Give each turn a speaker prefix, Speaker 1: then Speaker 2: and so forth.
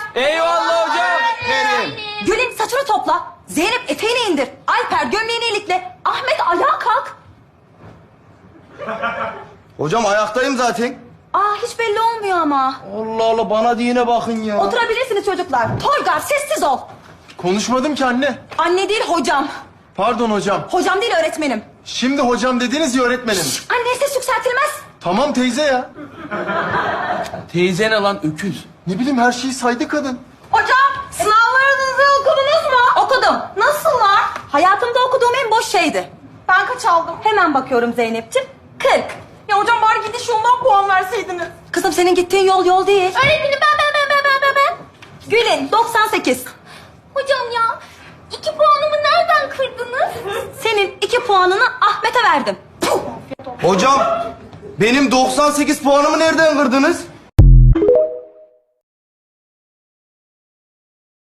Speaker 1: Eyvallah hocam.
Speaker 2: Gül'ün saçını topla. Zeynep eteğini indir. Alper gömleğini ilikle. Ahmet ayağa kalk.
Speaker 3: Hocam ayaktayım zaten.
Speaker 2: Aa hiç belli olmuyor ama.
Speaker 3: Allah Allah bana diyene bakın ya.
Speaker 2: Oturabilirsiniz çocuklar. Toygar sessiz ol.
Speaker 3: Konuşmadım ki anne.
Speaker 2: Anne değil hocam.
Speaker 3: Pardon hocam.
Speaker 2: Hocam değil öğretmenim.
Speaker 3: Şimdi hocam dediniz ya öğretmenim.
Speaker 2: Anne ses yükseltilmez.
Speaker 3: Tamam teyze ya.
Speaker 1: Teyze ne lan öküz?
Speaker 3: Ne bileyim her şeyi saydı kadın.
Speaker 2: Hocam sınavlarınızı okudunuz mu? Okudum. Nasıllar? Hayatımda okuduğum en boş şeydi. Ben kaç aldım? Hemen bakıyorum Zeynep'ciğim. 40. Ya hocam bari gidiş yoldan puan verseydiniz. Kızım senin gittiğin yol değil. Öğretmenim ben. Gül'ün 98.
Speaker 4: Hocam ya 2 puanımı nereden kırdınız?
Speaker 2: Senin 2 puanını Ahmet'e verdim. Puh!
Speaker 3: Hocam benim 98 puanımı nereden kırdınız?